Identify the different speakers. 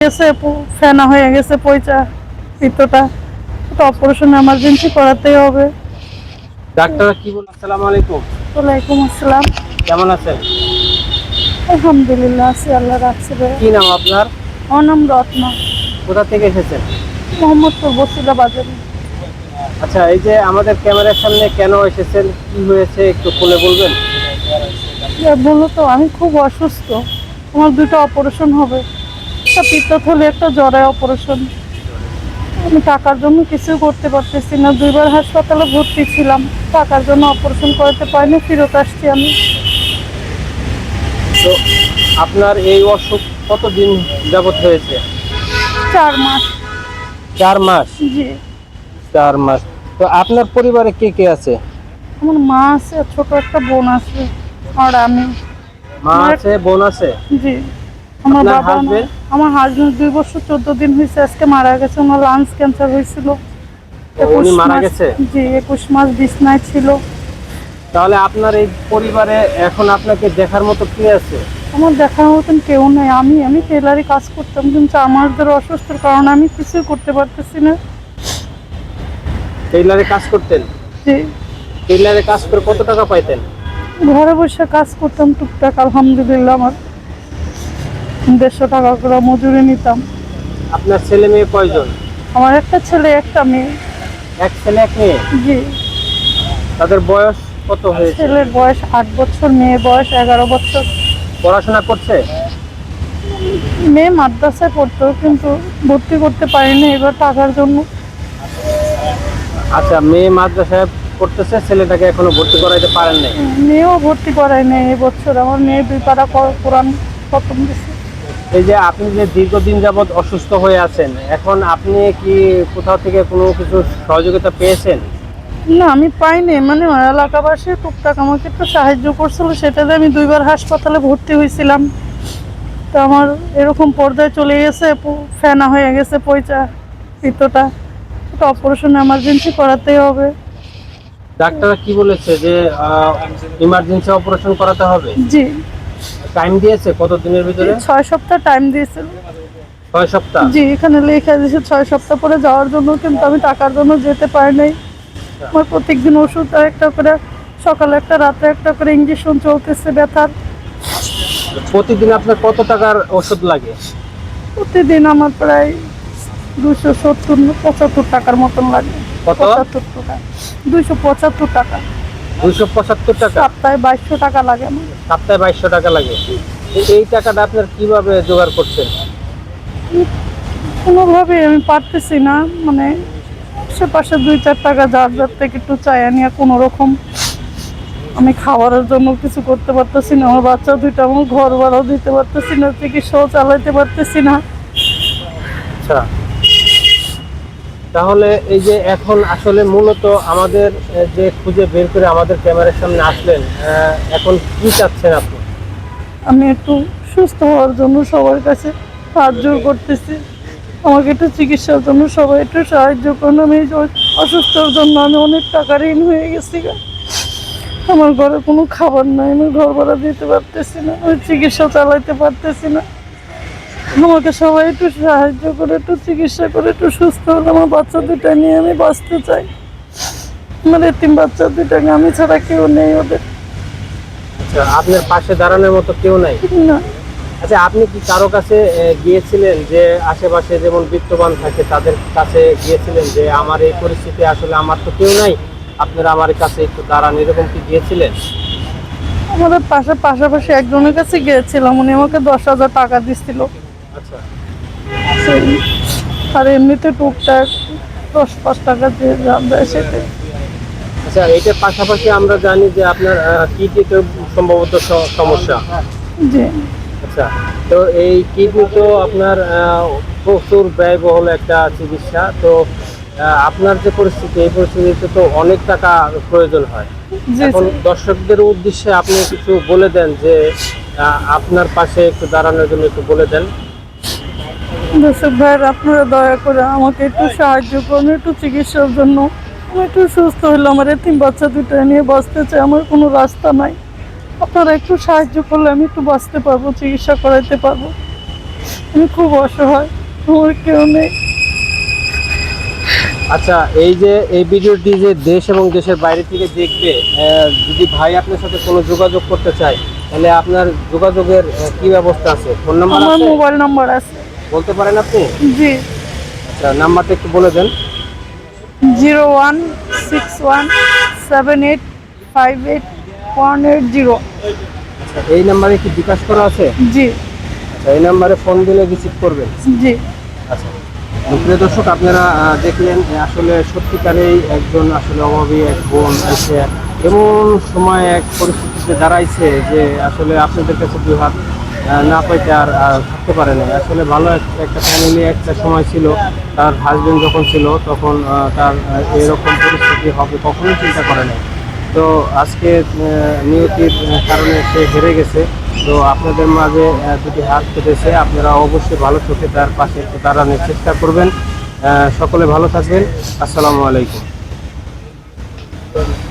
Speaker 1: গেছে ফেনা হয়ে গেছে পয়সা পিত্তটা, তো অপারেশন এমার্জেন্সি করাতেই হবে।
Speaker 2: ডাক্তার কি বলেন? আসসালামু আলাইকুম।
Speaker 1: ওয়ালাইকুম আসসালাম।
Speaker 2: কেমন আছেন?
Speaker 1: আলহামদুলিল্লাহ আছি, আল্লাহ রাখছে।
Speaker 2: কি নাম আপনার?
Speaker 1: আমার নাম রত্না,
Speaker 2: কোথা থেকে এসেছেন?
Speaker 1: মোহাম্মদপুর বসিলা বাজারে।
Speaker 2: আচ্ছা, এই যে আমাদের ক্যামেরার সামনে কেন এসেছেন, কি হয়েছে একটু খুলে বলবেন?
Speaker 1: মূলত আমি খুব অসুস্থ, আমার দুটো অপারেশন হবে, একটা পিত্তথলি একটা জ্বরে অপারেশন। আমি টাকার জন্য কিছু করতে পারতেছি না, দুইবার হাসপাতালে ভর্তি ছিলাম, টাকার জন্য অপারেশন করাতে পারিনি, ফেরত আসছি আমি।
Speaker 2: তো আপনার এই অসুখ কতদিন যাবত হয়েছে?
Speaker 1: 4 মাস।
Speaker 2: 4 মাস?
Speaker 1: জি।
Speaker 2: 4 মাস। তো আপনার পরিবারে কে কে আছে?
Speaker 1: আমার মা আছে, আর ছোট একটা বোন আছে, আর আমি।
Speaker 2: মা আছে, বোন আছে?
Speaker 1: জি। আমার
Speaker 2: আপনার
Speaker 1: বাবা
Speaker 2: হাজবেন্ড?
Speaker 1: আমার হাজবেন্ড 2 বছর 14 দিন হয়েছে আজকে মারা গেছে, ওনার লাংস ক্যান্সার হয়েছিল।
Speaker 2: উনি
Speaker 1: 21
Speaker 2: মারা
Speaker 1: মাস।
Speaker 2: গেছে?
Speaker 1: জি, 21 মাস বিছনায় ছিল।
Speaker 2: তাহলে আপনার এই পরিবারে এখন আপনাকে দেখার মতো কে আছে?
Speaker 1: আমার দেখার মতন কেউ নেই। আমি টেলারি কাজ করতাম, কিন্তু আমাদের অসুস্থর কারণে আমি কিছুই করতে পারতেছি না।
Speaker 2: টেইলারে কাজ করতেন?
Speaker 1: জি।
Speaker 2: টেইলারে কাজ করে কত টাকা পাইতেন?
Speaker 1: ঘরে বসে কাজ করতাম টুকটাক, আলহামদুলিল্লাহ। আমার 150 টাকা করে মজুরি নিতাম।
Speaker 2: আপনার ছেলে মেয়ে কয়জন?
Speaker 1: আমার একটা ছেলে একটা মেয়ে।
Speaker 2: এক ছেলে এক মেয়ে?
Speaker 1: জি।
Speaker 2: তাদের বয়স কত হয়েছে?
Speaker 1: ছেলের বয়স 8 বছর, মেয়ের বয়স 11 বছর।
Speaker 2: পড়াশোনা করছে?
Speaker 1: মেয়ে মাদ্রাসায় পড়তো, কিন্তু ভর্তি করতে পারিনি এবার টাকার জন্য।
Speaker 2: আচ্ছা, মেয়ে মাদ্রাসায় পড়তেছে, ছেলেটাকে এখনো ভর্তি করাইতে পারেন নাই?
Speaker 1: মেয়েও ভর্তি করাই নেই এবছর, আমার মেয়ে 2 পারা কোরআন খতম দিছে।
Speaker 2: এই যে আপনি যে দীর্ঘদিন যাবৎ অসুস্থ হয়ে আছেন, এখন আপনি কি কোথাও থেকে কোনো কিছু সহযোগিতা পেয়েছেন?
Speaker 1: না, আমি পাইনি, মানে এলাকাবাসী টুকটাক আমাকে একটু সাহায্য করছিল, সেটাতে আমি 2বার হাসপাতালে ভর্তি হয়েছিলাম। তো আমার এরকম পর্যায়ে চলে গেছে, ফেনা হয়ে গেছে পয়সা পিত্তটা, তো অপারেশন এমার্জেন্সি করাতেই হবে।
Speaker 2: ডাক্তাররা কি বলেছে যে ইমার্জেন্সি অপারেশন করাতে হবে?
Speaker 1: জি।
Speaker 2: টাইম দিয়েছে কতদিনের ভিতরে?
Speaker 1: 6 সপ্তাহ টাইম দিয়েছিল।
Speaker 2: 6 সপ্তাহ?
Speaker 1: জি, এখানে লেখা দিয়েছে 6 সপ্তাহ পরে যাওয়ার জন্য, কিন্তু আমি টাকার জন্য যেতে পারি নাই। আমার প্রত্যেকদিন ওষুধ আর একটা করে, সকালে একটা রাতে একটা করে ইঞ্জেকশন চলতেছে ব্যথার।
Speaker 2: প্রতিদিন আপনার কত টাকার ওষুধ লাগে?
Speaker 1: প্রতিদিন আমার প্রায় 270-75 টাকার মতন লাগে।
Speaker 2: কত?
Speaker 1: 75 টাকা। 275 টাকা।
Speaker 2: 275 টাকা?
Speaker 1: সপ্তাহে 2200 টাকা লাগে আমার।
Speaker 2: সপ্তাহে 2200 টাকা লাগে। এই টাকাটা আপনার কিভাবে জোগাড় করছেন?
Speaker 1: কোনোভাবে আমি পারতেছি না, মানে আশেপাশে 2-4 টাকা যার যার থেকে একটু চাই নিয়ে কোনো রকম আমি খাবারের জন্য কিছু করতে পারতেছি না, আমার বাচ্চা 2টা, আমার ঘর ভাড়াও দিতে পারতেছি না, চিকিৎসাও চালাইতে পারতেছি না।
Speaker 2: আচ্ছা, তাহলে এই যে এখন আসলে মূলত আমাদের যে খুঁজে বের করে আমাদের ক্যামেরার সামনে আসলেন, এখন কি চাচ্ছেন আপনি?
Speaker 1: আমি একটু সুস্থ হওয়ার জন্য সবার কাছে হাত জোর করতেছি, আমাকে একটু চিকিৎসার জন্য সবাই একটু সাহায্য করুন। আমি এই যে অসুস্থর জন্য আমি অনেক টাকা ঋণ হয়ে গেছি। আমার ঘরে কোনো খাবার নাই, আমি ঘর ভাড়া দিতে পারতেছি না, আমি চিকিৎসা চালাইতে পারতেছি না। আমাকে সবাই একটু সাহায্য করে, একটু চিকিৎসা করে একটু সুস্থ হলে আমার বাচ্চা 2টা নিয়ে আমি বাঁচতে চাই। আমার এতিম বাচ্চা 2টাকে আমি ছাড়া কেউ নেই ওদের।
Speaker 2: আচ্ছা, আপনার পাশে দাঁড়ানোর মতো কেউ নাই?
Speaker 1: না।
Speaker 2: আচ্ছা, আপনি কি কারো কাছে গিয়েছিলেন, যে আশেপাশে যেমন বিত্তবান থাকে তাদের কাছে গিয়েছিলেন যে আমার এই পরিস্থিতি, আসলে আমার তো কেউ নাই, আপনারা আমার কাছে একটু দাঁড়ান, এরকম কি গিয়েছিলেন?
Speaker 1: আমাদের পাশাপাশি একজনের কাছে গিয়েছিলাম, উনি আমাকে 10,000 টাকা দিচ্ছিল।
Speaker 2: আচ্ছা।
Speaker 1: আর এমনিতে টুকটাক 10-5 টাকা দিয়ে যা দেয় সেটা।
Speaker 2: আচ্ছা, এইটার পাশাপাশি আমরা জানি যে আপনার কিডনিতে সম্ভবত সমস্যা।
Speaker 1: জি।
Speaker 2: আচ্ছা, তো এই কিডনি তো আপনার প্রচুর ব্যয়বহুল একটা চিকিৎসা। তো আপনার যে পরিস্থিতি, এই পরিস্থিতিতে তো অনেক টাকা প্রয়োজন হয়।
Speaker 1: জি।
Speaker 2: এখন দর্শকদের উদ্দেশ্যে আপনি কিছু বলে দেন, যে আপনার পাশে একটু দাঁড়ানোর জন্য একটু বলে দেন।
Speaker 1: দর্শক ভাইয়ের, আপনারা দয়া করে আমাকে একটু সাহায্য করুন, একটু চিকিৎসার জন্য। আমি একটু সুস্থ হলে আমার এতিম বাচ্চা 2টা নিয়ে বাঁচতে চাই, আমার কোনো রাস্তা নাই। আপনারা একটু সাহায্য করলে আমি একটু বাঁচতে পারবো, চিকিৎসা করাইতে পারবো। আমি খুব অসহায়, আমার কেউ নেই।
Speaker 2: আচ্ছা, এই যে এই ভিডিওটি যে দেশ এবং দেশের বাইরে থেকে দেখবে, যদি ভাই আপনার সাথে কোনো যোগাযোগ করতে চায়, তাহলে আপনার যোগাযোগের কি ব্যবস্থা আছে? ফোন নাম্বার
Speaker 1: আমার
Speaker 2: আছে?
Speaker 1: মোবাইল নাম্বার আছে।
Speaker 2: বলতে পারেন আপনি?
Speaker 1: জি,
Speaker 2: আচ্ছা, নাম্বারটা একটু বলে দেন।
Speaker 1: 0161785818
Speaker 2: আচ্ছা, এই নাম্বারে কি বিকাশ করা আছে?
Speaker 1: জি
Speaker 2: আচ্ছা, এই নাম্বারে ফোন দিলে রিসিভ করবেন।
Speaker 1: জি।
Speaker 2: আচ্ছা, প্রিয় দর্শক, আপনারা দেখলেন আসলে সত্যিকারেই একজন আসলে অভাবী এক বোন এসে এমন সময় এক পরিস্থিতিতে দাঁড়াইছে যে আসলে আপনাদের কাছে দুই হাত না পাইতে আর থাকতে পারে না। আসলে ভালো একটা ফ্যামিলি একটা সময় ছিল, তার হাজবেন্ড যখন ছিল তখন তার এরকম পরিস্থিতি হবে কখনোই চিন্তা করে না। তো আজকে নিয়তির কারণে সে হেরে গেছে। তো আপনাদের মাঝে দুটি হাত পেতেছে, আপনারা অবশ্যই ভালো চোখে তার পাশে একটু দাঁড়ানোর চেষ্টা করবেন। সকলে ভালো থাকবেন। আসসালামু আলাইকুম।